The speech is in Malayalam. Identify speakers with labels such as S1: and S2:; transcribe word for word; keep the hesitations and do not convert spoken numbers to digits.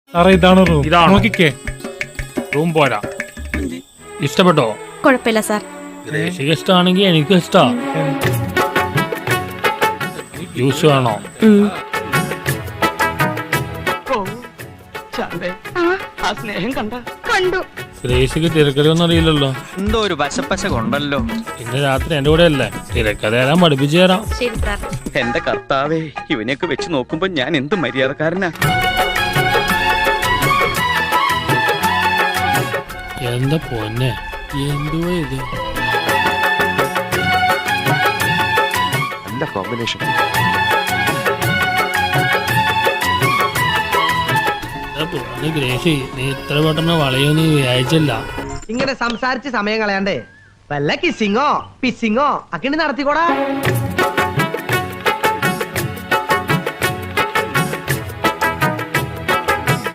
S1: സാറേ ഇതാണ് റൂം.
S2: ഇതാണ്.
S1: നോക്കിക്കേ.
S2: റൂം പോരാ. ഇഷ്ടപ്പെട്ടോ?
S3: കുഴപ്പമില്ല സാർ.
S2: ഗ്രേസിക്ക് ഇഷ്ടമാണെങ്കിൽ എനിക്കും ഇഷ്ടാ. ജ്യൂസ് വേണോ?
S3: കണ്ടു.
S2: ഗ്രേസിക്ക് തിരക്കഥയൊന്നും അറിയില്ലല്ലോ.
S4: എന്തോ ഒരു പശപ്പശ കൊണ്ടല്ലോ.
S2: ഇന്ന് രാത്രി എന്റെ കൂടെ അല്ലേ, തിരക്കഥ തരാൻ പഠിപ്പിച്ചു തരാം.
S3: ശരി സാർ.
S4: എന്റെ കർത്താവേ, ഇവനെയൊക്കെ വെച്ച് നോക്കുമ്പോ ഞാൻ എന്ത് മര്യാദക്കാരനാ.
S2: എന്താ പൊന്നെ, എന്തുവാ ഇത്?
S5: നല്ല കോമ്പിനേഷൻ.
S2: ഗ്രേസി, നീ ഇത്ര പെട്ടെന്ന് വളയൊന്നും വിചാരിച്ചില്ല.
S6: ഇങ്ങനെ സംസാരിച്ച് സമയം കളയാണ്ടേ വല്ല കിസിങ്ങോ പിസിങ്ങോ ഒക്കെ നടത്തിക്കോടാ.